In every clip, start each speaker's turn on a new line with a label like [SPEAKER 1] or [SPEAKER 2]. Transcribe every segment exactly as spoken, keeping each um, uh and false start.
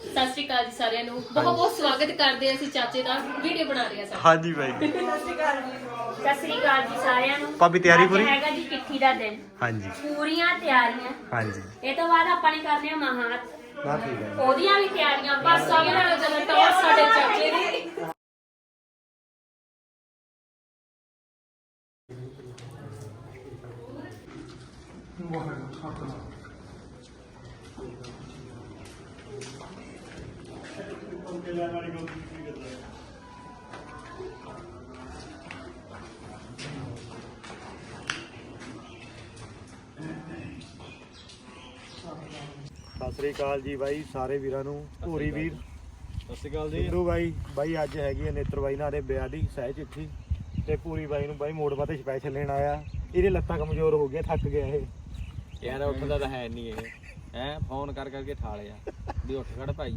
[SPEAKER 1] ਸਤਿ ਸ਼੍ਰੀ ਅਕਾਲ ਜੀ ਸਾਰਿਆਂ ਨੂੰ। ਬਹੁਤ ਬਹੁਤ ਸਵਾਗਤ ਕਰਦੇ ਹਾਂ ਅਸੀਂ ਚਾਚੇ ਦਾ ਵੀਡੀਓ ਬਣਾ ਰਹੇ ਹਾਂ।
[SPEAKER 2] ਹਾਂਜੀ ਬਾਈ
[SPEAKER 3] ਸਤਿ ਸ਼੍ਰੀ ਅਕਾਲ ਜੀ। ਸਤਿ ਸ਼੍ਰੀ ਅਕਾਲ ਜੀ ਸਾਰਿਆਂ ਨੂੰ।
[SPEAKER 2] ਭਾਬੀ ਤਿਆਰੀ ਪੂਰੀ?
[SPEAKER 3] ਅੱਜ ਹੈਗਾ ਜੀ ਚਿੱਠੀ ਦਾ ਦਿਨ।
[SPEAKER 2] ਹਾਂਜੀ
[SPEAKER 3] ਪੂਰੀਆਂ ਤਿਆਰੀਆਂ।
[SPEAKER 2] ਹਾਂਜੀ
[SPEAKER 3] ਇਹ ਤੋਂ ਬਾਅਦ ਆਪਾਂ ਨੇ ਕਰਨੇ ਆ ਮਹਾਤ।
[SPEAKER 2] ਬਾ ਠੀਕ ਹੈ।
[SPEAKER 3] ਉਹਦੀਆਂ ਵੀ ਤਿਆਰੀਆਂ
[SPEAKER 1] ਬਸ ਸਭ ਨਾਲੋਂ ਜ਼ਿਆਦਾ ਟੌਰ ਸਾਡੇ ਚਾਚੇ ਦੀ।
[SPEAKER 2] ਸਤਿ ਸ੍ਰੀ ਅਕਾਲ ਜੀ ਬਾਈ ਸਾਰੇ ਵੀਰਾਂ ਨੂੰ। ਭੂਰੀ ਵੀਰ
[SPEAKER 4] ਸਤਿ ਸ਼੍ਰੀ ਅਕਾਲ ਜੀ।
[SPEAKER 2] ਸਿੰਧੂ ਬਾਈ ਬਾਈ ਅੱਜ ਹੈਗੀ ਹੈ ਨੇਤਰ ਬਾਈ ਨਾਲ ਦੇ ਵਿਆਹ ਦੀ ਸਹਿ ਚਿੱਠੀ ਤੇ ਭੂਰੀ ਬਾਈ ਨੂੰ ਬਾਈ ਮੋੜ ਪਾ ਤੇ ਸਪੈਸ਼ਲ ਲੈਣ ਆਇਆ। ਇਹਦੇ ਲੱਤਾਂ ਕਮਜ਼ੋਰ ਹੋ ਗਈਆਂ, ਥੱਕ ਗਿਆ ਇਹ
[SPEAKER 4] ਯਾਰ ਉੱਠਦਾ ਤਾਂ ਹੈ ਨਹੀਂ ਇਹ ਹੈ ਫੋਨ ਕਰ ਕਰਕੇ ਠਾ ਲਿਆ ਵੀ ਉੱਠ ਖੜ ਭਾਈ।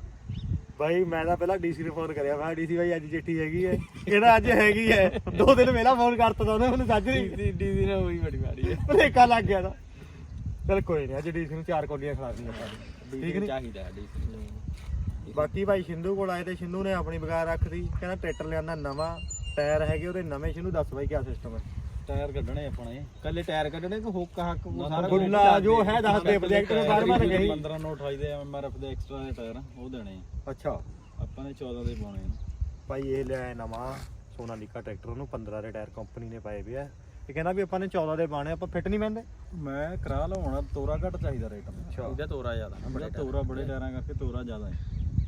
[SPEAKER 2] ਬਾਈ ਮੈਂ ਤਾਂ ਪਹਿਲਾਂ ਡੀਸੀ ਨੂੰ ਫੋਨ ਕਰਿਆ, ਮੈਂ ਡੀਸੀ ਬਾਈ ਅੱਜ ਚਿੱਠੀ ਹੈਗੀ ਹੈ, ਇਹਦਾ ਅੱਜ ਹੈਗੀ ਹੈ। ਦੋ ਦਿਨ ਪਹਿਲਾਂ ਫੋਨ ਕਰਤਾ ਤਾਂ ਉਹਨੇ ਮੈਨੂੰ ਸਾਜਰੀ
[SPEAKER 4] ਡੀਸੀ ਨੇ ਹੋਈ ਬੜੀ ਮਾਰੀ ਹੈ,
[SPEAKER 2] ਭਲੇਖਾ ਲੱਗ ਗਿਆ ਤਾਂ। ਚਲ ਕੋਈ ਨਹੀਂ, ਅੱਜ ਡੀਸੀ ਨੂੰ ਚਾਰ ਕੌਲੀਆਂ ਖਿਲਾ ਦਿੰਦੇ ਆਪਾਂ। ਠੀਕ ਨਹੀਂ
[SPEAKER 4] ਚਾਹੀਦਾ ਡੀਸੀ ਨੂੰ।
[SPEAKER 2] ਬਾਕੀ ਭਾਈ ਸਿੰਧੂ ਕੋਲ ਆਏ ਤੇ ਸਿੰਧੂ ਨੇ ਆਪਣੀ ਬਗਾਰ ਰੱਖਦੀ, ਕਹਿੰਦਾ ਟਰੈਕਟਰ ਲਿਆਂਦਾ ਨਵਾਂ, ਟਾਇਰ ਹੈਗੇ ਉਹਦੇ ਨਵੇਂ। ਸਿੰਧੂ ਦੱਸ ਬਾਈ ਕਿਆ ਸਿਸਟਮ ਹੈ?
[SPEAKER 4] ਟਾਇਰ ਕੱਢਣੇ ਆਪਣੇ ਕੱਲੇ ਟਾਇਰ ਕੱਢਣੇ ਕਿ ਹੁੱਕ ਹੱਕ ਸਾਰਾ
[SPEAKER 2] ਗੁੱਲਾ ਜੋ ਹੈ ਦੱਸ ਦੇ ਪ੍ਰੋਜੈਕਟ ਨੂੰ ਬਾਰ ਬਾਰ ਗਈ।
[SPEAKER 4] ਪੰਦਰਾਂ ਨੌ ਅਠਾਈ ਦੇ ਐਮਆਰਐਫ ਦੇ ਐਕਸਟਰਾ ਦੇ ਟਾਇਰ ਉਹ ਦੇਣੇ
[SPEAKER 2] ਅੱਛਾ
[SPEAKER 4] ਆਪਾਂ ਨੇ ਚੌਦਾਂ ਦੇ ਪਾਉਣੇ
[SPEAKER 2] ਭਾਈ ਇਹ ਲਿਆਇਆ ਨਵਾਂ ਸੋਨਾਲੀਕਾ ਟਰੈਕਟਰ, ਉਹਨੂੰ ਪੰਦਰਾਂ ਦੇ ਟਾਇਰ ਕੰਪਨੀ ਨੇ ਪਾਏ ਵੇ ਆ। ਇਹ ਕਹਿੰਦਾ ਵੀ ਆਪਾਂ ਨੇ ਚੌਦਾਂ ਦੇ ਪਾਣੇ, ਆਪਾਂ ਫਿੱਟ ਨਹੀਂ ਪੈਂਦੇ।
[SPEAKER 4] ਮੈਂ ਕਰਾ ਲਵਾਉਣਾ, ਤੋਰਾ ਘੱਟ ਚਾਹੀਦਾ ਰੇਟ।
[SPEAKER 2] ਅੱਛਾ
[SPEAKER 4] ਇਹਦਾ ਤੋਰਾ ਜ਼ਿਆਦਾ ਨਾ, ਬੜਾ ਤੋਰਾ ਬੜੇ ਟਾਇਰਾਂ ਕਰਕੇ ਤੋਰਾ ਜ਼ਿਆਦਾ ਹੈ।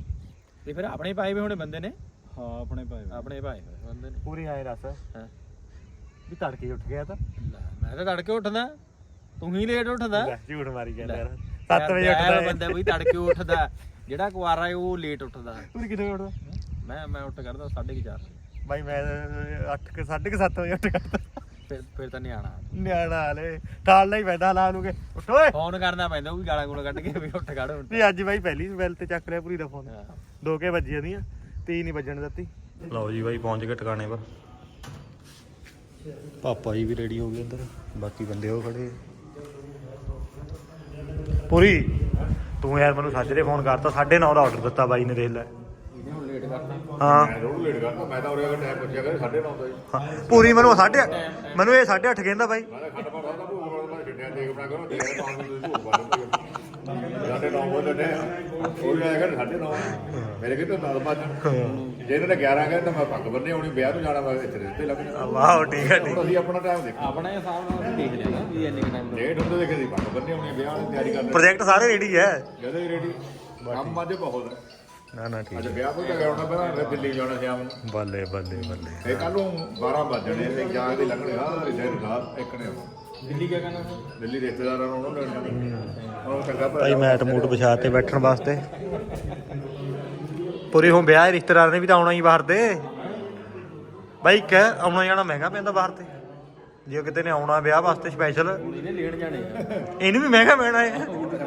[SPEAKER 4] ਤੇ ਫਿਰ ਆਪਣੇ ਪਾਏ ਵੇ ਹੋਣੇ ਬੰਦੇ ਨੇ। ਹਾਂ ਆਪਣੇ ਪਾਏ ਆਪਣੇ ਪਾਏ ਹੋਏ ਬੰਦੇ ਨੇ
[SPEAKER 2] ਪੂਰੀ ਆਏ ਰਸ
[SPEAKER 4] ਹਾਂ
[SPEAKER 2] ਵੀ ਤੜਕੇ ਉੱਠ ਗਿਆ ਤਾਂ।
[SPEAKER 4] ਮੈਂ ਤਾਂ ਤੜਕੇ ਉੱਠਦਾ, ਤੂੰ ਹੀ ਲੇਟ ਉੱਠਦਾ।
[SPEAKER 2] ਝੂਠ ਮਾਰੀ ਜਾਂਦਾ ਯਾਰ, ਸੱਤ ਵਜੇ ਉੱਠਦਾ
[SPEAKER 4] ਬੰਦਾ ਬਈ ਤੜਕੇ ਉੱਠਦਾ, ਜਿਹੜਾ ਕੁਆਰਾ ਹੈ ਉਹ ਲੇਟ ਉੱਠਦਾ।
[SPEAKER 2] ਪੂਰੀ ਕਿੱਥੇ ਉੱਠਦਾ?
[SPEAKER 4] ਮੈਂ ਮੈਂ ਉੱਠ ਕਰਦਾ ਸਾਢੇ ਚਾਰ
[SPEAKER 2] ਬਾਈ ਮੈਂ ਅੱਠ ਕੇ ਸਾਢੇ ਕੇ ਸੱਤ ਵਜੇ ਉੱਠ ਕਰਦਾ।
[SPEAKER 4] ਫਿਰ ਫਿਰ ਤਾਂ ਨਿਆਣਾ
[SPEAKER 2] ਨਿਆਣਾ ਹਾਲੇ ਠਾਲਣਾ ਹੀ ਪੈਂਦਾ ਲਾ ਲੂਗੇ, ਉੱਠ ਓਏ
[SPEAKER 4] ਫੋਨ ਕਰਨਾ ਪੈਂਦਾ, ਉਹ ਵੀ ਗਾਲਾਂ ਗੂਲਾਂ ਕੱਢ ਕੇ ਵੀ ਉੱਠ ਖੜ।
[SPEAKER 2] ਨਹੀਂ ਅੱਜ ਬਾਈ ਪਹਿਲੀ ਬੈਲ ਤੇ ਚੱਕ ਲਿਆ ਪੂਰੀ ਦਾ ਫੋਨ। ਦੋ ਕੇ ਵੱਜੀਆਂ ਦੀਆਂ, ਤੀਨ ਹੀ ਵੱਜਣ ਦਿੱਤੀ। ਲਓ ਜੀ ਬਾਈ ਪਹੁੰਚ ਗਏ ਟਿਕਾਣੇ ਪਰ। ਪਾਪਾ ਜੀ ਵੀ ਰੈਡੀ ਹੋ ਗਏ ਇੱਧਰ, ਬਾਕੀ ਬੰਦੇ ਉਹ ਖੜੇ। ਪੂਰੀ ਤੂੰ ਯਾਰ ਮੈਨੂੰ ਸਾਜਰੇ ਫੋਨ ਕਰਤਾ, ਸਾਢੇ ਨੌ ਦਾ ਆਰਡਰ ਦਿੱਤਾ ਬਾਈ ਨੇ, ਦੇਖ ਲੈ।
[SPEAKER 4] ਹੁਣ ਲੇਟ ਕਰਤਾ
[SPEAKER 2] ਹਾਂ
[SPEAKER 5] ਮੈਂ ਰੋਜ਼ ਲੇਟ ਕਰਦਾ, ਮੈਂ ਤਾਂ ਉਰੇ ਅਗਰ ਟਾਈਮ ਪੁੱਛਿਆ ਕਰ ਸਾਢੇ ਨੌ ਦਾ ਜੀ।
[SPEAKER 2] ਹਾਂ, ਪੂਰੀ ਮੈਨੂੰ ਸਾਢੇ ਮੈਨੂੰ ਇਹ ਸਾਢੇ ਅੱਠ ਕਹਿੰਦਾ ਬਾਈ।
[SPEAKER 5] ਮੈਂ ਖੱਟ ਪਾਉਂਦਾ ਤਾਂ ਭੂਖ ਬਣਦਾ, ਮੈਂ ਛੱਡਿਆ ਦੇਖ ਬਣਾ ਕਰੋ, ਦੇਖ ਤਾਂ ਤੁਸੀਂ ਭੂਖ ਬਣਦਾ ਸਾਢੇ ਨੌ ਵਜੇ ਲੱਗੇ ਉਹ ਵੀ ਆਇਆ ਕਰ ਸਾਢੇ ਨੌ ਮੇਰੇ ਕਿਤੇ ਨਾਲ ਬਾਅਦ ਜੇ ਇਹਨਾਂ ਨੇ ਗਿਆਰਾਂ ਕਹਿੰਦੇ ਤਾਂ ਮੈਂ ਪੱਗ ਬੰਨੇ ਆਉਣੀ, ਵਿਆਹ ਤੋਂ ਜਾਣਾ, ਮੈਂ ਇੱਥੇ ਰਿਸ਼ਤੇ ਲੱਗ ਜਾਣਾ।
[SPEAKER 2] ਵਾਹ ਠੀਕ ਹੈ ਠੀਕ।
[SPEAKER 5] ਹੁਣ ਅਸੀਂ ਆਪਣਾ ਟਾਈਮ ਦੇਖੋ,
[SPEAKER 4] ਆਪਣੇ ਹਿਸਾਬ ਨਾਲ ਦੇਖ ਲਿਆ ਵੀ ਇੰਨੇ ਟਾਈਮ
[SPEAKER 5] ਲੇਟ ਹੁੰਦੇ ਦੇਖੇ ਸੀ ਪੱਗ ਬੰਨੇ ਆਉਣੀ, ਵਿਆਹ ਦੀ ਤਿਆਰੀ ਕਰਦੇ
[SPEAKER 2] ਪ੍ਰੋਜੈਕਟ ਸਾਰੇ ਰੈਡੀ ਹੈ
[SPEAKER 5] ਜਦੋਂ ਹੀ ਰੈਡੀ। ਕੰਮ ਅੱਜ ਬਹੁਤ ਹੈ,
[SPEAKER 2] ਨਾ ਨਾ ਠੀਕ
[SPEAKER 5] ਅੱਜ ਵਿਆਹ ਤੋਂ ਤਾਂ ਆਉਣਾ ਪਹਿਲਾਂ, ਫਿਰ ਦਿੱਲੀ ਜਾਣਾ ਸ਼ਾਮ ਨੂੰ।
[SPEAKER 2] ਬੱਲੇ ਬੱਲੇ ਬੱਲੇ।
[SPEAKER 5] ਤੇ ਕੱਲ ਨੂੰ ਬਾਰਾਂ ਵੱਜ ਜਾਣੇ ਤੇ ਜਾਗ ਦੇ ਲੱਗਣੇ ਆ ਰਿਸ਼ਤੇ ਰਾਤ ਇੱਕ ਨੇ ਆਉਣਾ।
[SPEAKER 4] ਦਿੱਲੀ ਕਿਆ ਕਰਨਾ
[SPEAKER 5] ਦਿੱਲੀ ਰਿਸ਼ਤੇਦਾਰਾਂ ਨੂੰ ਉਹਨਾਂ ਨੇ ਉਹ ਚੰਗਾ
[SPEAKER 2] ਭਾਈ ਮੈਟ ਮੂਟ ਵਿਛਾ ਤੇ ਬੈਠਣ ਵਾਸਤੇ। ਪੂਰੀ ਹੁਣ ਵਿਆਹ ਰਿਸ਼ਤੇਦਾਰਾਂ ਨੇ ਵੀ ਤਾਂ ਆਉਣਾ ਹੀ ਬਾਹਰ ਤੇ ਬਾਈ। ਕਹਿ ਆਉਣਾ ਜਾਣਾ ਮਹਿੰਗਾ ਪੈਂਦਾ ਬਾਹਰ ਤੇ, ਜੇ ਕਿਤੇ ਨੇ ਆਉਣਾ ਵਿਆਹ ਵਾਸਤੇ ਸਪੈਸ਼ਲ,
[SPEAKER 4] ਇਹਨੇ ਲੇਟ ਜਾਣੇ ਆ।
[SPEAKER 2] ਇਹਨੂੰ ਵੀ ਮਹਿੰਗਾ ਪੈਣਾ ਹੈ।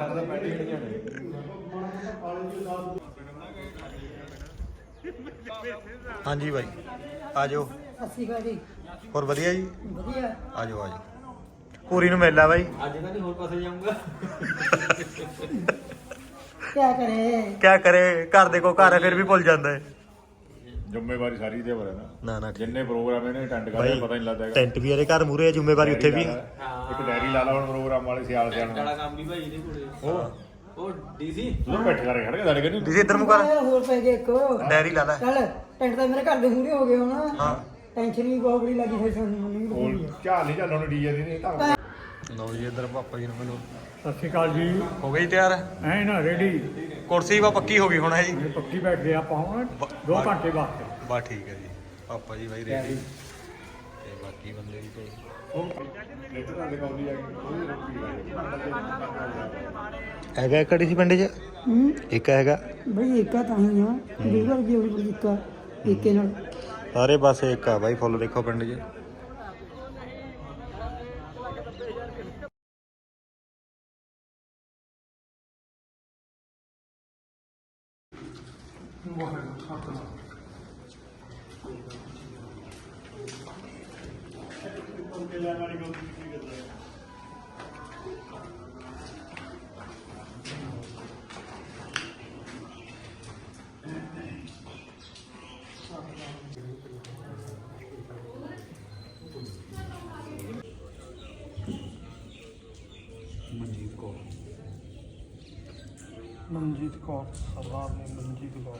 [SPEAKER 2] ਹਾਂਜੀ ਬਾਈ ਆ ਜਾਓ।
[SPEAKER 6] ਸਤਿ ਸ਼੍ਰੀ ਅਕਾਲ ਜੀ।
[SPEAKER 2] ਹੋਰ ਵਧੀਆ ਜੀ,
[SPEAKER 6] ਵਧੀਆ।
[SPEAKER 2] ਆ ਜਾਓ ਆ ਜਾਓ। ਪੂਰੀ ਨੂੰ ਮਿਲ ਲਾ ਬਾਈ।
[SPEAKER 4] ਅੱਜ ਤਾਂ ਨਹੀਂ ਹੋਰ ਪਾਸੇ ਜਾਊਂਗਾ।
[SPEAKER 6] ਕਿਆ ਕਰੇ?
[SPEAKER 2] ਕਿਆ ਕਰੇ, ਘਰ ਦੇ ਕੋ ਘਰ ਹੈ ਫਿਰ ਵੀ ਭੁੱਲ ਜਾਂਦਾ ਹੈ।
[SPEAKER 5] ਜ਼ਿੰਮੇਵਾਰੀ ਸਾਰੀ ਦੇ ਵਰ ਹੈ ਨਾ,
[SPEAKER 2] ਨਾ ਨਾ
[SPEAKER 5] ਜਿੰਨੇ ਪ੍ਰੋਗਰਾਮ ਇਹਨੇ ਅਟੈਂਡ ਕਰਦੇ ਪਤਾ ਨਹੀਂ ਲੱਗਦਾ ਹੈਗਾ।
[SPEAKER 2] ਟੈਂਟ ਵੀ ਇਹਦੇ ਘਰ ਮੂਰੇ ਹੈ, ਜ਼ਿੰਮੇਵਾਰੀ ਉੱਥੇ ਵੀ।
[SPEAKER 5] ਇੱਕ ਡੈਰੀ ਲਾ ਲਾ ਹੁਣ ਪ੍ਰੋਗਰਾਮ ਵਾਲੇ ਸਿਆਲ ਸਿਆਲ
[SPEAKER 4] ਵਾਲਾ ਕੰਮ ਵੀ ਭਾਈ ਇਹਦੇ ਕੋਲੇ।
[SPEAKER 5] ਉਹ
[SPEAKER 4] ਉਹ ਡੀਸੀ
[SPEAKER 5] ਤੂੰ ਬੈਠ ਕਰ ਖੜ ਕੇ ਸਾਡੇ ਕਹਿੰਦੇ
[SPEAKER 2] ਤੁਸੀਂ ਇੱਧਰ ਨੂੰ ਕਰ,
[SPEAKER 6] ਯਾਰ ਹੋਰ ਪੈ ਗਏ ਇੱਕ।
[SPEAKER 2] ਡੈਰੀ ਲਾ ਲੈ।
[SPEAKER 6] ਚੱਲ ਟੈਂਟ ਤਾਂ ਮੇਰੇ ਘਰ ਦੇ ਮੂਹਰੇ ਹੋ ਗਏ ਹੁਣ।
[SPEAKER 2] ਹਾਂ
[SPEAKER 6] ਟੈਨਸ਼ਨ ਵੀ ਬਹੁਤ ਬੜੀ ਲੱਗੀ ਹੋਈ ਸਾਨੂੰ ਮੈਨੂੰ
[SPEAKER 5] ਉਹ
[SPEAKER 6] ਵੀ।
[SPEAKER 5] ਝਾਲ ਨਹੀਂ ਝਾਲਣ ਡੀਜੇ ਦੀ ਨਹੀਂ ਤਾਂ
[SPEAKER 2] ਲਓ ਜੀ ਇੱਧਰ ਪਾਪਾ ਜੀ ਨੂੰ ਮਿਲੋ।
[SPEAKER 7] ਸਤਿ ਸ਼੍ਰੀ ਅਕਾਲ ਜੀ।
[SPEAKER 2] ਹੋ ਗਈ ਤਿਆਰ?
[SPEAKER 7] ਐ ਨਾ ਰੈਡੀ
[SPEAKER 2] ਕੁਰਸੀ ਵਾ ਪੱਕੀ ਹੋ ਗਈ ਹੁਣ ਹੈ ਜੀ।
[SPEAKER 7] ਪੱਕੀ ਬੈਠ ਗਏ ਆਪਾਂ ਹੁਣ ਦੋ ਘੰਟੇ ਵਾਸਤੇ।
[SPEAKER 2] ਬਾ ਠੀਕ ਹੈ ਜੀ। ਪਾਪਾ ਜੀ ਬਾਈ ਰੈਡੀ ਤੇ ਬਾਕੀ ਬੰਦੇ ਵੀ ਕੋਲ ਹੈਗਾ। ਕਿਹੜੀ ਸੀ ਪਿੰਡ 'ਚ?
[SPEAKER 6] ਹੂੰ
[SPEAKER 2] ਇੱਕ ਹੈਗਾ
[SPEAKER 6] ਬਈ ਏਕਾ ਤਾਂ ਹੀ ਆ ਦੂਜਾ ਜੀ ਬੜੀ ਏਕਾ ਏਕੇ ਨਾਲ।
[SPEAKER 2] ਸਾਰੇ ਪਾਸੇ ਇੱਕ ਆ ਬਾਈ, ਫੁੱਲ ਦੇਖੋ ਪਿੰਡ 'ਚ।
[SPEAKER 6] ਮਨਜੀਤ ਕੌਰ ਸਰਦਾਰ ਨੇ ਮਨਜੀਤ ਕੌਰ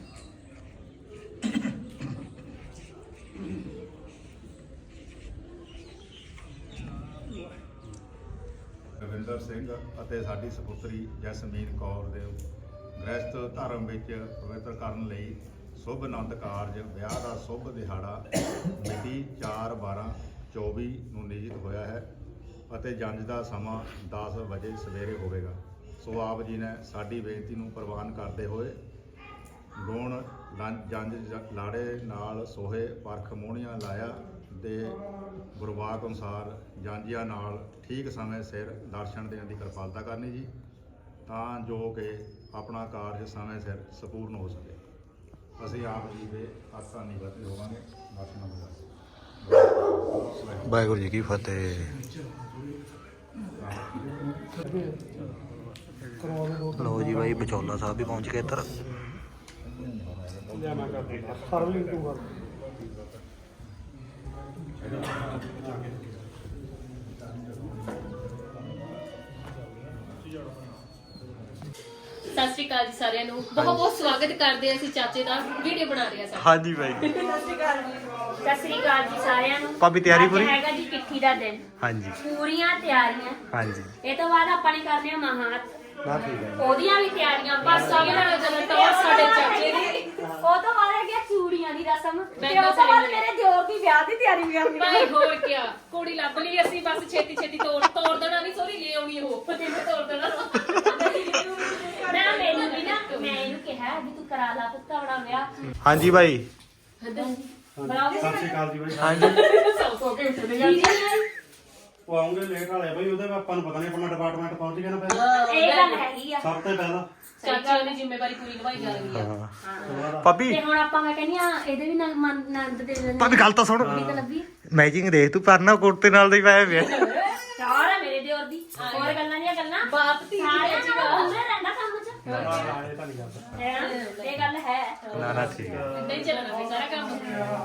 [SPEAKER 5] ਰਵਿੰਦਰ ਸਿੰਘ ਅਤੇ ਸਾਡੀ ਸਪੁੱਤਰੀ ਜਸਮੀਨ ਕੌਰ ਦੇ ਗ੍ਰਸਤ ਧਰਮ ਵਿੱਚ ਪਵਿੱਤਰ ਕਰਨ ਲਈ ਸ਼ੁਭ ਆਨੰਦ ਕਾਰਜ ਵਿਆਹ ਦਾ ਸ਼ੁਭ ਦਿਹਾੜਾ ਮਿਤੀ ਚਾਰ ਬਾਰਾਂ ਚੌਵੀ ਨੂੰ ਨਿਯਤ ਹੋਇਆ ਹੈ ਅਤੇ ਜੰਝ ਦਾ ਸਮਾਂ ਦਸ ਵਜੇ ਸਵੇਰੇ ਹੋਵੇਗਾ। ਸੋ ਆਪ ਜੀ ਨੇ ਸਾਡੀ ਬੇਨਤੀ ਨੂੰ ਪ੍ਰਵਾਨ ਕਰਦੇ ਹੋਏ ਗੁਣ ਲੰ- ਜੰਝ ਜ- ਲਾੜੇ ਨਾਲ ਸੋਹੇ ਪਰਖ ਮੋਹਣੀਆਂ ਲਾਇਆ ਦੇ ਗੁਰਬਾਕ ਅਨੁਸਾਰ ਜਾਂਝੀਆਂ ਨਾਲ ਠੀਕ ਸਮੇਂ ਸਿਰ ਦਰਸ਼ਨ ਦੇਣ ਦੀ ਕਿਰਪਾਲਤਾ ਕਰਨੀ ਜੀ, ਤਾਂ ਜੋ ਕਿ ਆਪਣਾ ਕਾਰਜ ਸਮੇਂ ਸਿਰ ਸੰਪੂਰਨ ਹੋ ਸਕੇ। ਅਸੀਂ ਆਪ ਜੀ ਦੇ ਆਸਾਂ ਨਿਵਰਤੇ ਹੋਵਾਂਗੇ। ਦਰਸ਼ਨਾਂ ਬੁਲਾਓ।
[SPEAKER 8] ਵਾਹਿਗੁਰੂ ਜੀ ਕੀ ਫਤਿਹ। ਲਓ ਜੀ ਬਾਈ ਬਚੌਲਾ ਸਾਹਿਬ ਵੀ ਪਹੁੰਚ ਗਏ ਇੱਧਰ।
[SPEAKER 6] ਸਰਵਿੰਗ ਟੂ ਕਰ
[SPEAKER 1] ਸਤਿ ਸ਼੍ਰੀ ਅਕਾਲ ਜੀ ਸਾਰਿਆਂ ਨੂੰ। ਬਹੁਤ ਬਹੁਤ ਸਵਾਗਤ ਕਰਦੇ ਹਾਂ ਅਸੀਂ ਚਾਚੇ ਦਾ ਵੀਡੀਓ ਬਣਾ ਰਹੇ ਹਾਂ ਸਾਡਾ।
[SPEAKER 8] ਹਾਂਜੀ ਬਾਈ
[SPEAKER 3] ਸਤਿ ਸ੍ਰੀ ਅਕਾਲ ਜੀ ਸਾਰਿਆਂ ਨੂੰ।
[SPEAKER 8] ਭਾਬੀ ਤਿਆਰੀ
[SPEAKER 3] ਅੱਜ
[SPEAKER 8] ਪੂਰੀ?
[SPEAKER 3] ਹੈਗਾ ਜੀ ਚਿੱਠੀ ਦਾ ਦਿਨ।
[SPEAKER 8] ਹਾਂਜੀ
[SPEAKER 3] ਪੂਰੀਆਂ ਤਿਆਰੀਆਂ।
[SPEAKER 8] ਹਾਂਜੀ
[SPEAKER 3] ਇਹ ਤੋਂ ਬਾਅਦ ਆਪਾਂ ਨੇ ਕਰਨੇ ਆ ਮਹਾਤ।
[SPEAKER 8] ਨਾ ਠੀਕ ਹੈ।
[SPEAKER 3] ਉਹਦੀਆਂ ਵੀ ਤਿਆਰੀਆਂ
[SPEAKER 1] ਬਸ ਸਭ ਨਾਲ ਜਦੋਂ ਟੌਰ ਸਾਡੇ ਚਾਚੇ ਦੀ।
[SPEAKER 3] ਉਹ ਤੋਂ ਬਾਅਦ ਹੈਗੀ ਆ ਚੂੜੀਆਂ ਦੀ ਰਸਮ ਤੇ
[SPEAKER 1] ਮਹਿੰਗਾ
[SPEAKER 3] ਉਹ ਤੋਂ ਬਾਅਦ
[SPEAKER 1] ceremony।
[SPEAKER 3] ਮੇਰੇ ਦਿਓਰ ਦੀ ਵਿਆਹ ਦੀ ਤਿਆਰੀ ਵੀ ਕਰਨੀ
[SPEAKER 1] ਭਾਈ ਹੋਰ ਕੀ ਕੁੜੀ ਲੱਭ ਲਈ ਅਸੀਂ, ਬਸ ਛੇਤੀ ਛੇਤੀ ਤੋੜ ਤੋੜ ਦੇਣਾ ਨਹੀਂ, ਸੋਰੀ ਲੈ ਆਉਣੀ ਉਹ ਜਿਵੇਂ ਤੋੜ ਦੇਣਾ।
[SPEAKER 3] ਨਾ ਮੈਨੂੰ ਵੀ ਨਾ ਮੈਂ ਇਹਨੂੰ ਕਿਹਾ ਵੀ ਤੂੰ ਕਰਾ ਲਾ ਪੁੱਤ ਆਪਣਾ ਵਿਆਹ।
[SPEAKER 8] ਹਾਂਜੀ ਬਾਈ।
[SPEAKER 3] ਬਰਾਬਰ
[SPEAKER 2] ਸਤਿ ਸ਼੍ਰੀ ਅਕਾਲ ਜੀ ਬਾਈ।
[SPEAKER 8] ਹਾਂਜੀ
[SPEAKER 1] ਸੌ ਸੌ ਕੇ ਉੱਠਦੇ
[SPEAKER 3] ਜੀ ਜੀ
[SPEAKER 2] ਉਹ ਆਉਂਗੇ ਲੇਟ ਵਾਲੇ ਬਾਈ, ਉਹਦੇ ਆਪਾਂ ਨੂੰ ਪਤਾ ਨਹੀਂ ਆਪਣਾ ਡਿਪਾਰਟਮੈਂਟ ਪਹੁੰਚ ਗਿਆ ਨਾ ਪਹਿਲਾਂ।
[SPEAKER 3] ਇਹ ਗੱਲ ਹੈਗੀ ਆ।
[SPEAKER 2] ਸਭ ਤੋਂ ਪਹਿਲਾਂ
[SPEAKER 1] ਚਾਚਿਆਂ ਦੀ ਜ਼ਿੰਮੇਵਾਰੀ ਪੂਰੀ ਨਿਭਾਈ ਜਾ ਰਹੀ ਹੈ।
[SPEAKER 8] ਹਾਂ ਭਾਬੀ
[SPEAKER 3] ਤੇ ਹੁਣ ਆਪਾਂ ਮੈਂ ਕਹਿੰਦੀ ਆ ਇਹਦੇ ਵੀ ਨਾਲ ਮਨ ਨੰਦ ਦੇ ਦਿੰਦੇ
[SPEAKER 8] ਭਾਬੀ ਗੱਲ ਤਾਂ ਸੁਣ।
[SPEAKER 3] ਕੁੜੀ ਤਾਂ ਲੱਭੀ
[SPEAKER 8] ਮੈਚਿੰਗ ਦੇਖ ਤੂੰ ਪਰਨਾ ਕੁੜਤੇ ਨਾਲ ਦੇ ਪਾਇਆ ਪਿਆ।
[SPEAKER 3] ਚਾਰ ਹੈ ਮੇਰੇ ਦਿਓਰ ਦੀ। ਹੋਰ ਗੱਲਾਂ ਦੀਆਂ ਗੱਲਾਂ
[SPEAKER 1] ਬਾਪ ਧੀ ਦੀ
[SPEAKER 3] ਸਾਰਿਆਂ
[SPEAKER 1] ਅੱਜ
[SPEAKER 3] ਨੂੰ
[SPEAKER 1] ਕੱਲ੍ਹ।
[SPEAKER 3] ਹੁੰਦੇ ਰਹਿੰਦਾ ਕੰਮ ਚ
[SPEAKER 2] ਇਹ ਤਾਂ ਨਹੀਂ ਕਰਦਾ।
[SPEAKER 3] ਹੈ ਨਾ? ਇਹ ਗੱਲ ਹੈ।
[SPEAKER 8] ਨਾ ਨਾ ਠੀਕ ਹੈ।
[SPEAKER 1] ਨਹੀਂ ਚੱਲਣਾ ਵੀ ਸਾਰਾ ਕੰਮ।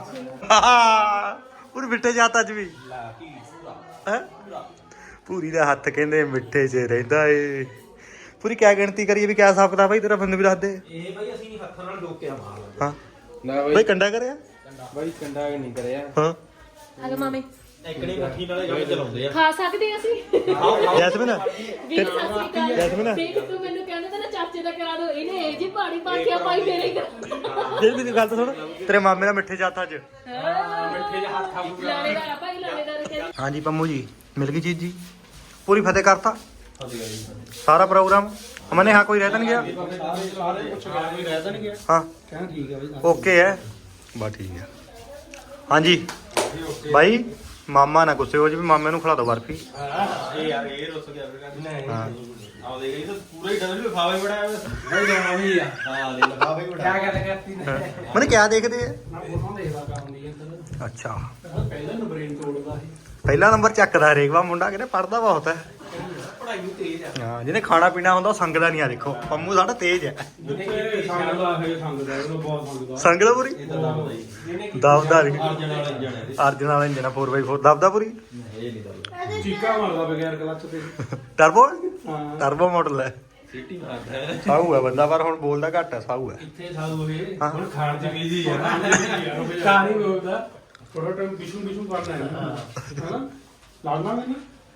[SPEAKER 8] ਪੂਰੀ ਮਿੱਠੇ ਜਾਤ ਅੱਜ ਵੀ ਹੈ। ਪੂਰੀ ਦਾ ਹੱਥ ਕਹਿੰਦੇ ਮਿੱਠੇ 'ਚ ਰਹਿੰਦਾ ਏ। ਪੂਰੀ ਕਿਆ ਗਿਣਤੀ ਕਰੀਏ ਵੀ ਕਿਆ ਹਿਸਾਬ ਕਿਤਾਬ ਬਾਈ ਤੇਰਾ ਬੰਦੇ ਵੀ ਦੱਸ ਦੇ।
[SPEAKER 4] ਇਹ ਬਾਈ ਅਸੀਂ ਹੱਥਾਂ ਨਾਲ ਡੋਕਿਆ ਮਾਰ
[SPEAKER 8] ਹਾਂ
[SPEAKER 4] ਨਾ
[SPEAKER 8] ਬਾਈ ਕੰਡਾ ਕਰਿਆ।
[SPEAKER 4] ਬਾਈ ਕੰਡਾ ਨਹੀਂ ਕਰਿਆ।
[SPEAKER 8] ਹਾਂ
[SPEAKER 1] ਹਲੋ ਮਾਮੇ
[SPEAKER 4] ਇਕਣੀ ਮੱਠੀ ਨਾਲੇ ਕੰਮ ਚਲਾਉਂਦੇ ਆ।
[SPEAKER 1] ਖਾ ਸਕਦੇ ਅਸੀਂ।
[SPEAKER 8] ਜੈਸਮੀਨ
[SPEAKER 1] ਵੀਰ ਸਤਿ ਸ਼੍ਰੀ ਅਕਾਲ।
[SPEAKER 8] ਜੈਸਮੀਨ
[SPEAKER 1] ਦੇਖ ਤੂੰ ਮੈਨੂੰ ਕਹਿੰਦਾ ਤਾਂ ਨਾ ਚਾਚੇ ਦਾ ਕਰਾ ਦੋ, ਇਹਨੇ ਇਹ ਜੀ ਪਹਾੜੀ ਪਾਥੀਆ ਪਾਈ ਮੇਰੇ ਘਰ।
[SPEAKER 8] ਜਿਹੜੀ ਮੇਰੀ ਗੱਲ ਤਾਂ ਸੁਣ, ਤੇਰੇ ਮਾਮੇ ਦਾ ਮਿੱਠੇ ਜਾਤ ਅੱਜ।
[SPEAKER 1] ਮਿੱਠੇ ਜਿਹਾ ਹੱਥ ਖਾਊਗਾ। ਲਾਣੇਦਾਰ ਆ ਭਾਈ, ਲਾਣੇਦਾਰ ਕਹਿੰਦੇ।
[SPEAKER 8] ਹਾਂਜੀ ਪੰਮੂ ਜੀ ਮਿਲ ਗਈ ਚੀਜ਼ ਜੀ। ਪੂਰੀ ਫਤਿਹ ਕਰਤਾ ਸਾਰਾ ਪ੍ਰੋਗਰਾਮ। ਮਨੇ ਹਾਂ ਕੋਈ ਰਹਿ ਤਾਂ ਨਹੀਂ ਗਿਆ।
[SPEAKER 4] ਸਾਰੇ ਪੁੱਛ ਗਿਆ ਕੋਈ ਰਹਿ ਤਾਂ ਨਹੀਂ ਗਿਆ।
[SPEAKER 8] ਹਾਂ
[SPEAKER 4] ਕਹਿੰਦਾ ਠੀਕ ਹੈ ਬਾਈ।
[SPEAKER 8] ਓਕੇ ਹੈ ਬਸ ਠੀਕ ਹੈ। ਹਾਂਜੀ ਬਾਈ ਮਾਮਾ ਨਾ ਗੁੱਸੇ ਹੋ ਜੀ, ਮਾਮੇ ਨੂੰ ਖਿਲਾ ਦੋ ਬਰਫੀ।
[SPEAKER 4] ਇਹ ਯਾਰ ਇਹ ਰੁੱਸ ਗਿਆ ਨਹੀਂ
[SPEAKER 8] ਹਾਂ
[SPEAKER 4] ਆਹ ਦੇਖ ਇਹ ਤਾਂ ਪੂਰਾ ਹੀ ਡਬਲ ਲਿਫਾਫਾ ਹੀ ਬੜਾ ਹੈ। ਨਹੀਂ ਜਾਣਾ ਵੀ ਆ। ਹਾਂ ਦੇ ਲਿਫਾਫਾ ਹੀ ਬੜਾ। ਕੀ ਗੱਲ ਕਰਤੀ ਨੇ?
[SPEAKER 8] ਮਨੇ ਕਿਆ ਦੇਖਦੇ ਆ?
[SPEAKER 6] ਨਾ ਫੋਟੋ ਦੇਖਦਾ ਕੰਮ ਦੀ ਅੰਦਰ
[SPEAKER 8] ਅੱਛਾ
[SPEAKER 6] ਪਹਿਲਾਂ ਨੂੰ ਬ੍ਰੇਨ ਤੋੜਦਾ ਸੀ।
[SPEAKER 8] ਪਹਿਲਾ ਨੰਬਰ ਚੱਕਦਾ ਹਰੇਕ ਵਾਰ ਮੁੰਡਾ ਕਹਿੰਦੇ ਪੜਦਾ ਬਹੁਤ ਹੈ।
[SPEAKER 4] ਪੜਾਈ ਨੂੰ ਤੇਜ਼ ਆ।
[SPEAKER 8] ਹਾਂ ਜਿਹਨੇ ਖਾਣਾ ਪੀਣਾ ਹੁੰਦਾ ਉਹ ਸੰਗਦਾ ਨਹੀਂ। ਆ ਦੇਖੋ ਪੰਮੂ ਸਾਡਾ ਤੇਜ਼ ਹੈ।
[SPEAKER 6] ਜਿੱਥੇ ਸੰਗਦਾ ਹੈ ਸੰਗਦਾ ਉਹ ਬਹੁਤ ਸੰਗਦਾ।
[SPEAKER 8] ਸੰਗਦਾ ਪੂਰੀ
[SPEAKER 4] ਇਹ ਤਾਂ ਦਬਦਾ ਹੀ।
[SPEAKER 8] ਦਬਦਾ ਨਹੀਂ।
[SPEAKER 4] ਅਰਜਨ ਵਾਲਾ ਇੰਜਣ ਹੈ।
[SPEAKER 8] ਅਰਜਨ ਵਾਲਾ ਇੰਜਨ ਆ ਫੋਰ ਬਾਈ ਫੋਰ ਦਬਦਾ ਪੂਰੀ।
[SPEAKER 4] ਇਹ ਨਹੀਂ ਦਬਦਾ।
[SPEAKER 6] ਚੀਕਾ ਮਾਰਦਾ ਬਗੈਰ ਕਲੱਚ ਤੇ।
[SPEAKER 8] ਟਰਬੋ
[SPEAKER 6] ਹਾਂ
[SPEAKER 8] ਟਰਬੋ ਮਾਡਲ ਹੈ।
[SPEAKER 4] ਸਿੱਟੀ ਮਾਰਦਾ ਹੈ।
[SPEAKER 8] ਸਾਊ ਹੈ ਬੰਦਾ ਪਰ ਹੁਣ ਬੋਲਦਾ ਘੱਟ ਹੈ। ਸਾਊ ਹੈ।
[SPEAKER 6] ਇੱਥੇ ਸਾਧੂ ਇਹ
[SPEAKER 8] ਹਾਂ।
[SPEAKER 6] ਹੁਣ ਖਾਣ ਚ ਬੀਜੀ ਆ। ਖਾਣ ਹੀ ਬੋਲਦਾ ਥੋੜਾ ਟਾਈਮ ਬਿਸ਼ੂ ਬਿਸ਼ੂ ਕਰਨਾ ਹੈ ਨਾ ਹੈਨਾ ਲੜਨਾ ਨਹੀਂ।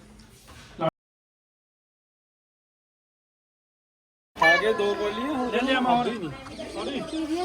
[SPEAKER 4] ਆਗੇ ਦੋ ਬੋਲੀਆਂ ਹੋ ਜਾਂਦੀਆਂ ਮਾਹੌਲ ਹੀ ਨਹੀਂ।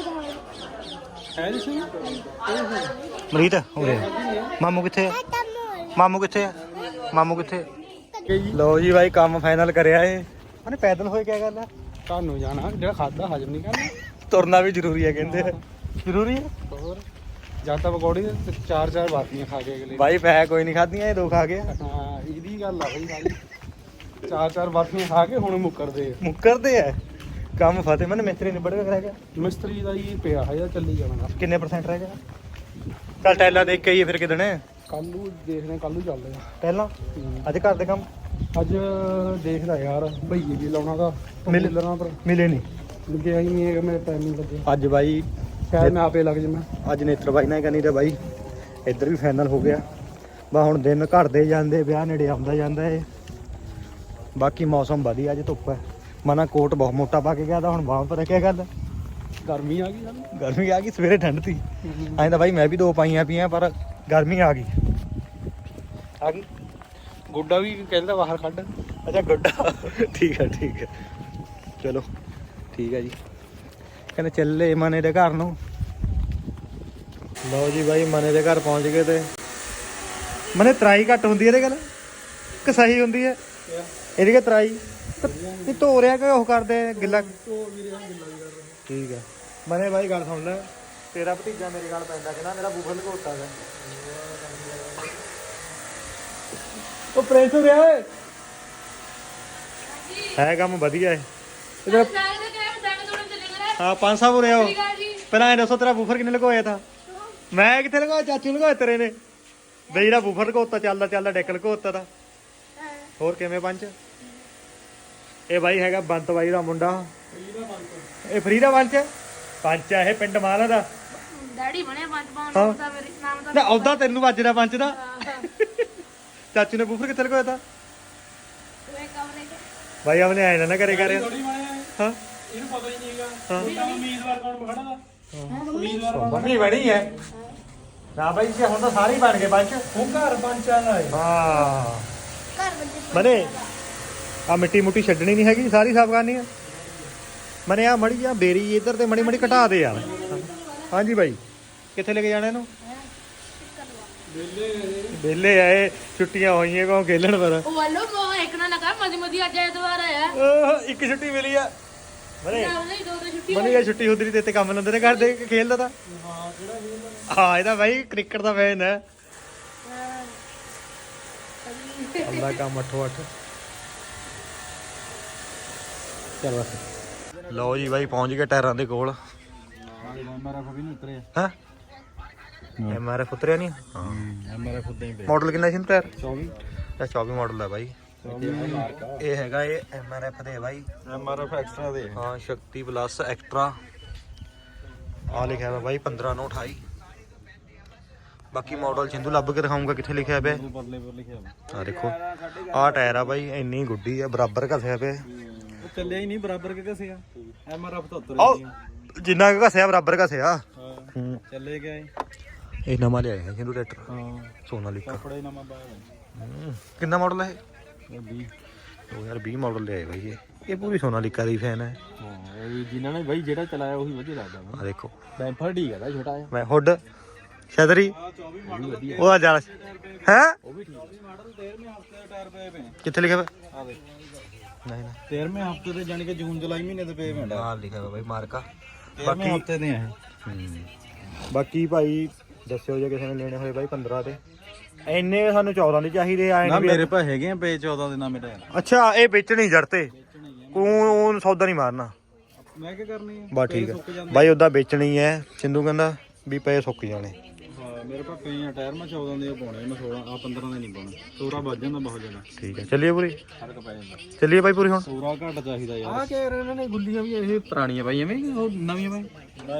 [SPEAKER 4] ਹੈ ਜੀ ਸੁਣ
[SPEAKER 8] ਮਰੀਤ ਹੋ ਰਿਹਾ। ਮਾਮੂ ਕਿੱਥੇ ਆ? ਮਾਮੂ ਕਿੱਥੇ ਆ? ਮਾਮੂ ਕਿੱਥੇ? ਲਓ ਜੀ ਬਾਈ ਕੰਮ ਫਾਈਨਲ ਕਰਿਆ ਏ। ਉਹਨੇ ਪੈਦਲ ਹੋਏ ਕਿਆ ਗੱਲ ਆ?
[SPEAKER 6] ਤੁਹਾਨੂੰ ਜਾਣਾ ਜਿਹੜਾ ਖਾਦਾ ਹਜਮ ਨਹੀਂ ਕਰਨਾ।
[SPEAKER 8] ਤੁਰਨਾ ਵੀ ਜ਼ਰੂਰੀ ਹੈ ਕਹਿੰਦੇ। ਜ਼ਰੂਰੀ ਹੈ
[SPEAKER 6] ਹੋਰ ਜਦ ਤੱਕ ਪਕੌੜੀ ਤੇ ਚਾਰ ਚਾਰ ਬਾਤੀਆਂ ਖਾ ਕੇ ਅਗਲੇ।
[SPEAKER 8] ਬਾਈ ਪੈ ਕੋਈ ਨਹੀਂ ਖਾਧੀਆਂ, ਇਹ ਦੋ ਖਾ ਗਿਆ।
[SPEAKER 6] ਹਾਂ ਇਹਦੀ ਗੱਲ ਆ ਬਈ ਸਾਰੀ। ਚਾਰ ਚਾਰ ਬਾਤੀਆਂ ਖਾ ਕੇ ਹੁਣ ਮੁੱਕਰਦੇ ਆ।
[SPEAKER 8] ਮੁੱਕਰਦੇ ਆ ਕੰਮ। ਫਤਿਹ ਮੈਨੂੰ ਮਿਸਤਰੀ ਨਿਬੜ ਕੇ ਰਹਿ ਗਿਆ।
[SPEAKER 6] ਮਿਸਤਰੀ ਦਾ ਹੀ ਪਿਆ ਹੈ ਚੱਲੀ ਜਾਣਾ।
[SPEAKER 8] ਕਿੰਨੇ ਪਰਸੈਂਟ ਰਹਿ ਗਿਆ? ਚੱਲ ਟੈਲਾ ਦੇਖ ਕੇ ਆਈਏ ਫਿਰ ਕਿਦਣੇ।
[SPEAKER 6] ਕੱਲ ਨੂੰ ਦੇਖਦੇ ਕੱਲ ਨੂੰ ਚੱਲਦੇ ਆ।
[SPEAKER 8] ਪਹਿਲਾਂ ਅੱਜ ਘਰ ਦੇ ਕੰਮ
[SPEAKER 6] ਅੱਜ ਦੇਖਦਾ ਯਾਰ ਭਈਏ ਵੀ ਲਾਉਣਾ ਦਾ
[SPEAKER 8] ਮਿਲ-
[SPEAKER 6] ਮਿਲਣਾ ਪਰ
[SPEAKER 8] ਮਿਲੇ ਨਹੀਂ
[SPEAKER 6] ਲੱਗਿਆ ਹੀ ਨਹੀਂ ਹੈਗਾ। ਮੇਰੇ ਟਾਈਮ ਨਹੀਂ ਲੱਗਿਆ।
[SPEAKER 8] ਅੱਜ ਬਾਈ।
[SPEAKER 6] ਸ਼ਾਇਦ ਮੈਂ ਆਪੇ ਲੱਗ ਜਾਵਾਂ।
[SPEAKER 8] ਅੱਜ ਨੇਤਰ ਬਾਈ ਨਾਲ ਕਹਿੰਦੀ ਤੇ ਬਾਈ ਇੱਧਰ ਵੀ ਫਾਈਨਲ ਹੋ ਗਿਆ। ਬਾ ਹੁਣ ਦਿਨ ਘਟਦੇ ਜਾਂਦੇ, ਵਿਆਹ ਨੇੜੇ ਆਉਂਦਾ ਜਾਂਦਾ ਏ। ਬਾਕੀ ਮੌਸਮ ਵਧੀਆ, ਅੱਜ ਧੁੱਪ ਹੈ। ਮਨਾ ਕੋਟ ਬਹੁਤ ਮੋਟਾ ਪਾ ਕੇ ਗਿਆ ਤਾਂ ਹੁਣ ਬਾਹਾਂ ਪਰ ਕਿਆ ਕਰਦਾ
[SPEAKER 6] ਗਰਮੀ ਆ ਗਈ ਸਾਨੂੰ
[SPEAKER 8] ਗਰਮੀ ਆ ਗਈ ਸਵੇਰੇ ਠੰਡ ਤੀ ਐਂ ਤਾਂ ਬਾਈ ਮੈਂ ਵੀ ਦੋ ਪਾਈਆਂ ਪਈਆਂ ਪਰ ਗਰਮੀ ਆ ਗਈ ਆ ਗਈ
[SPEAKER 6] ਗੋਡਾ ਵੀ ਕਹਿੰਦਾ ਬਾਹਰ ਕੱਢ
[SPEAKER 8] ਅੱਛਾ ਗੁੱਡਾ ਠੀਕ ਹੈ ਠੀਕ ਹੈ ਚਲੋ ਠੀਕ ਹੈ ਜੀ ਕਹਿੰਦੇ ਚੱਲੇ ਮਨੇ ਦੇ ਘਰ ਨੂੰ ਲਓ ਜੀ ਬਾਈ ਮਨੇ ਦੇ ਘਰ ਪਹੁੰਚ ਗਏ ਤੇ ਮਨੇ ਤਰਾਈ ਘੱਟ ਹੁੰਦੀ ਇਹਦੇ ਗੱਲ ਕਿ ਸਹੀ ਹੁੰਦੀ ਹੈ ਇਹਦੀ ਕਿ ਤਰਾਈ ਇਹ ਧੋ ਰਿਆ ਕਿ ਉਹ ਕਰਦੇ ਗਿੱਲਾ ਠੀਕ ਹੈ ਮਨੇ ਬਾਈ ਗੱਲ ਸੁਣ ਲੈ ਤੇਰਾ ਭਤੀਜਾ ਮੇਰੇ ਗੱਲ ਪੈਂਦਾ ਕਹਿੰਦਾ ਮੇਰਾ ਬੂਫਰ ਲਕੋਤਾ ਹੈ ਉਹ ਪ੍ਰਿੰਸ ਹੋ ਰਿਹਾ ਓਏ ਹੈ ਕੰਮ ਵਧੀਆ ਹੈ ਇਹਦਾ ਹਾਂ ਪੰਜ ਸੌ ਹੋ ਰਿਹਾ ਉਹ ਪਹਿਲਾਂ ਇਹ ਦੱਸੋ ਤੇਰਾ ਬੂਫਰ ਕਿੰਨੇ ਲਗਵਾਇਆ ਤਾਂ ਮੈਂ ਕਿੱਥੇ ਲਗਵਾਇਆ ਚਾਚੂ ਲਗਵਾਇਆ ਤੇਰੇ ਨੇ ਬਈ ਜਿਹੜਾ ਬੂਫਰ ਲਗਵਾਤਾ ਚੱਲਦਾ ਚੱਲਦਾ ਡੈਕ ਲਗਵਾਤਾ ਦਾ ਹੋਰ ਕਿਵੇਂ ਪੰਜ ਇਹ ਬਾਈ ਹੈਗਾ ਬੰਤ ਬਾਈ ਦਾ ਮੁੰਡਾ ਇਹ ਫਰੀ ਦਾ ਪੰਚ ਪੰਚ ਆ ਇਹ ਪਿੰਡ ਮਾਲਾ ਦਾ
[SPEAKER 3] ਡੈਡੀ ਬਣਿਆ ਪੰਜ
[SPEAKER 8] ਹਾਂ।
[SPEAKER 3] ਪਾਉਣ ਦਾ ਮੇਰੇ ਨਾਮ ਦਾ
[SPEAKER 8] ਨਾ ਉਹਦਾ ਤੈਨੂੰ ਵੱਜਦਾ ਪੰਚ ਦਾ ਚਾਚੂ ਨੇ ਬੂਫਰ ਕਿੱਥੇ ਲਗਵਾਇਆ ਤਾ
[SPEAKER 3] ਤੂੰ ਇਹ ਕਮਰੇ ਚ
[SPEAKER 8] ਬਾਈ ਆਪਨੇ ਆਏ ਨਾ ਨਾ ਕਰੇ ਕਰੇ
[SPEAKER 6] ਥੋੜੀ ਬਣਿਆ
[SPEAKER 8] ਹਾਂ
[SPEAKER 6] ਇਹਨੂੰ ਪਤਾ ਹੀ ਨਹੀਂ ਹੈਗਾ
[SPEAKER 8] ਹਾਂ।
[SPEAKER 6] ਵੀ ਨਵਾਂ ਉਮੀਦਵਾਰ ਕੌਣ ਖੜਾ ਦਾ ਉਮੀਦਵਾਰ
[SPEAKER 8] ਬਣੀ ਬਣੀ ਹੈ ਨਾ ਬਾਈ ਜੀ ਹੁਣ ਤਾਂ ਸਾਰੇ ਹੀ ਬਣ ਗਏ ਪੰਚ
[SPEAKER 6] ਉਹ ਘਰ ਪੰਚਾਂ ਦਾ ਹੈ
[SPEAKER 8] ਹਾਂ
[SPEAKER 3] ਘਰ ਬੰਦੇ
[SPEAKER 8] ਮਨੇ ਆ ਮਿੱਟੀ ਮੁੱਟੀ ਛੱਡਣੀ ਨਹੀਂ ਹੈਗੀ ਸਾਰੀ ਸਾਫ਼ ਕਰਨੀ ਆ ਮਨੇ ਆ ਮੜੀ ਆ ਬੇਰੀ ਇੱਧਰ ਤੇ ਮੜੀ ਮੜੀ ਘਟਾ ਦੇ ਯਾਰ ਹਾਂਜੀ ਬਾਈ ਕਿੱਥੇ ਲੈ ਕੇ ਜਾਣਾ ਇਹਨੂੰ ਵਿਹਲੇ ਆਏ ਛੁੱਟੀਆਂ ਹੋਈਆਂ ਕੋ ਖੇਲਣ ਪਰ
[SPEAKER 3] ਉਹ ਵੱਲੋਂ ਕੋ ਇੱਕ ਨਾ ਲਗਾ ਮਦੀ ਮਦੀ ਅੱਜ ਐਤਵਾਰ ਆਇਆ
[SPEAKER 8] ਓਹ, ਇੱਕ ਛੁੱਟੀ ਮਿਲੀ ਆ ਮਨੇ
[SPEAKER 3] ਨਹੀਂ ਦੋ ਦੋ ਛੁੱਟੀ
[SPEAKER 8] ਮਨੇ ਇਹ ਛੁੱਟੀ ਹੁੰਦੀ ਨਹੀਂ ਤੇ ਇੱਥੇ ਕੰਮ ਲੰਦੇ ਨੇ ਘਰ ਦੇ ਕੇ ਖੇਲਦਾ ਤਾਂ ਹਾਂ ਕਿਹੜਾ ਹਾਂ ਇਹਦਾ ਬਾਈ ਕ੍ਰਿਕਟ ਦਾ ਫੈਨ ਹੈ ਅੱਲਾ ਕੰਮ ਅੱਠੋ ਅੱਠ ਚਲ ਬਸ ਲਓ ਜੀ ਬਾਈ ਪਹੁੰਚ ਗਏ ਟਾਇਰਾਂ ਦੇ ਕੋਲ
[SPEAKER 4] ਮੇਰਾ ਕੋਈ ਨਹੀਂ ਉਤਰਿਆ
[SPEAKER 8] ਹਾਂ ਐਮ ਆਰ ਐਫ ਉਤਰਿਆ ਨਹੀਂ ਹਾਂ
[SPEAKER 4] ਮੇਰਾ ਖੁਦ ਹੀ
[SPEAKER 8] ਮਾਡਲ ਕਿੰਨਾ ਸੀ ਇਹਨੂੰ ਟਾਇਰ
[SPEAKER 4] ਚੌਵੀ
[SPEAKER 8] ਇਹ ਚੌਵੀ ਮਾਡਲ ਹੈ ਬਾਈ ਇਹ ਹੈਗਾ ਇਹ ਐਮ ਆਰ ਐਫ ਦੇ ਬਾਈ
[SPEAKER 4] ਐਮ ਆਰ ਐਫ ਐਕਸਟਰਾ ਦੇ
[SPEAKER 8] ਹਾਂ ਸ਼ਕਤੀ ਪਲੱਸ ਐਕਸਟਰਾ ਆ ਲਿਖਿਆ ਹੋਇਆ ਬਾਈ ਪੰਦਰਾਂ ਨੌ ਅਠਾਈ ਬਾਕੀ ਮਾਡਲ ਚਿੰਦੂ ਲੱਭ ਕੇ ਦਿਖਾਉਂਗਾ ਕਿੱਥੇ ਲਿਖਿਆ ਪਿਆ
[SPEAKER 4] ਬਦਲੇ ਪਰ ਲਿਖਿਆ ਵਾ
[SPEAKER 8] ਆ ਦੇਖੋ ਆਹ ਟਾਇਰ ਆ ਬਾਈ ਇੰਨੀ ਗੁੱਡੀ ਆ ਬਰਾਬਰ ਘਸਿਆ ਪਿਆ
[SPEAKER 4] ਉਹ ਚੱਲਿਆ ਹੀ ਨਹੀਂ ਬਰਾਬਰ ਕਿ ਘਸਿਆ ਐਮ ਆਰ ਐਫ ਤਾਂ ਉਤਰ
[SPEAKER 8] ਆਹ ਜਿੰਨਾ ਕੁ ਘਸਿਆ ਬਰਾਬਰ ਘਸਿਆ
[SPEAKER 4] ਹਾਂ
[SPEAKER 8] ਹੂੰ
[SPEAKER 4] ਚੱਲੇ ਗਏ
[SPEAKER 8] ਇਹ ਨਵਾਂ ਲਿਆਇਆ ਹੈ ਚਿੰਦੂ ਟਰੈਕਟਰ
[SPEAKER 4] ਹਾਂ
[SPEAKER 8] ਸੋਨਾਲੀਕਾ
[SPEAKER 4] ਕੱਪੜੇ ਨਵਾਂ ਪਾਇਆ
[SPEAKER 8] ਹੂੰ। ਕਿੰਨਾ ਮਾਡਲ ਹੈ
[SPEAKER 4] ਇਹ ਵੀਹ
[SPEAKER 8] ਦੋ ਹਜ਼ਾਰ ਵੀਹ ਮਾਡਲ ਲਿਆਏ ਬਾਈ ਇਹ ਇਹ ਪੂਰੀ ਸੋਨਾਲੀਕਾ ਦੀ ਫੈਨ ਹੈ
[SPEAKER 4] ਹਾਂ ਇਹ ਵੀ ਜਿਨ੍ਹਾਂ ਨੇ ਬਾਈ ਜਿਹੜਾ ਚਲਾਇਆ ਉਹੀ ਵਧੀਆ ਲੱਗਦਾ
[SPEAKER 8] ਆ ਦੇਖੋ
[SPEAKER 4] ਬੈਂਫਰ ਠੀਕ ਹੈ ਛੋਟਾ ਜਿਹਾ
[SPEAKER 8] ਮੈਂ ਹੁੱਡ ਸ਼ਦਰੀ
[SPEAKER 4] ਚੌਵੀ ਮਾਡਲ ਵਧੀਆ
[SPEAKER 8] ਉਹਦਾ ਜਾਲ ਹੈ
[SPEAKER 4] ਉਹ ਵੀ ਠੀਕ ਹੈ ਮਾਡਲ ਤੇਰਵੇਂ ਹਫਤੇ ਦੇ ਟਾਇਰ ਪਏ ਪਏ
[SPEAKER 8] ਕਿੱਥੇ ਲਿਖਿਆ ਹੋਇਆ
[SPEAKER 4] ਆ ਦੇਖ
[SPEAKER 8] ਨਹੀਂ ਨਾ
[SPEAKER 4] ਤੇਰਵੇਂ ਹਫਤੇ ਦੇ ਜਾਨੀ ਕਿ ਜੂਨ ਜੁਲਾਈ ਮਹੀਨੇ ਦੇ ਪਏ ਪਏ
[SPEAKER 8] ਨਾਲ ਲਿਖਿਆ ਹੋਇਆ ਬਾਈ ਮਾਰਕਾ
[SPEAKER 4] ਬਾਕੀ ਹਫਤੇ ਦੇ ਆ
[SPEAKER 8] ਬਾਕੀ ਭਾਈ ਦੱਸਿਓ ਜੇ ਕਿਸੇ ਨੇ ਲੈਣੇ ਹੋਏ ਬਾਈ ਪੰਦਰਾਂ ਤੇ ਇੰਨੇ ਸਾਨੂੰ ਚੌਦਾਂ ਦੇ ਚਾਹੀਦੇ ਆਏ
[SPEAKER 4] ਨਾ
[SPEAKER 8] ਨੇ
[SPEAKER 4] ਮੇਰੇ ਪਾ ਹੈਗੇ ਆ ਪਏ ਚੌਦਾਂ ਦੇ ਨਾ ਮੇਰੇ
[SPEAKER 8] ਅੱਛਾ ਇਹ ਵੇਚਣੀ ਜੜ ਤੇ ਕੋ ਸੌਦਾ ਨਹੀਂ ਮਾਰਨਾ
[SPEAKER 4] ਮੈਂ ਕੀ ਕਰਨੀ ਹੈ
[SPEAKER 8] ਬਸ ਠੀਕ ਹੈ ਬਾਈ ਉਹਦਾ ਵੇਚਣੀ ਹੈ ਸਿੰਧੂ ਕਹਿੰਦਾ ਵੀ ਪਏ ਸੁੱਕ ਜਾਣੇ
[SPEAKER 4] ਹਾਂ ਮੇਰੇ ਪਾ ਪਏ ਆ ਟਾਇਰ ਮੈਂ ਚੌਦਾਂ ਦੇ ਪਾਉਣੇ ਮੈਂ ਸੋਲਾਂ ਆ ਪੰਦਰਾਂ ਦੇ ਨਹੀਂ ਪਾਉਣੇ ਸੋਰਾ ਵੱਜ ਜਾਂਦਾ ਬਹੁਤ ਜ਼ਿਆਦਾ
[SPEAKER 8] ਠੀਕ ਹੈ ਚੱਲੀਏ ਪੂਰੀ
[SPEAKER 4] ਫਰਕ ਪੈ ਜਾਂਦਾ
[SPEAKER 8] ਚੱਲੀਏ ਬਾਈ ਪੂਰੀ ਹੁਣ
[SPEAKER 4] ਸੋਰਾ ਘੱਟ ਚਾਹੀਦਾ ਯਾਰ ਆ ਕਿ ਇਹਨਾਂ ਨੇ ਗੁੱਲੀਆਂ ਵੀ ਇਹ ਪੁਰਾਣੀਆਂ ਪਾਈ ਐਵੇਂ ਉਹ ਨਵੀਆਂ ਪਾਈ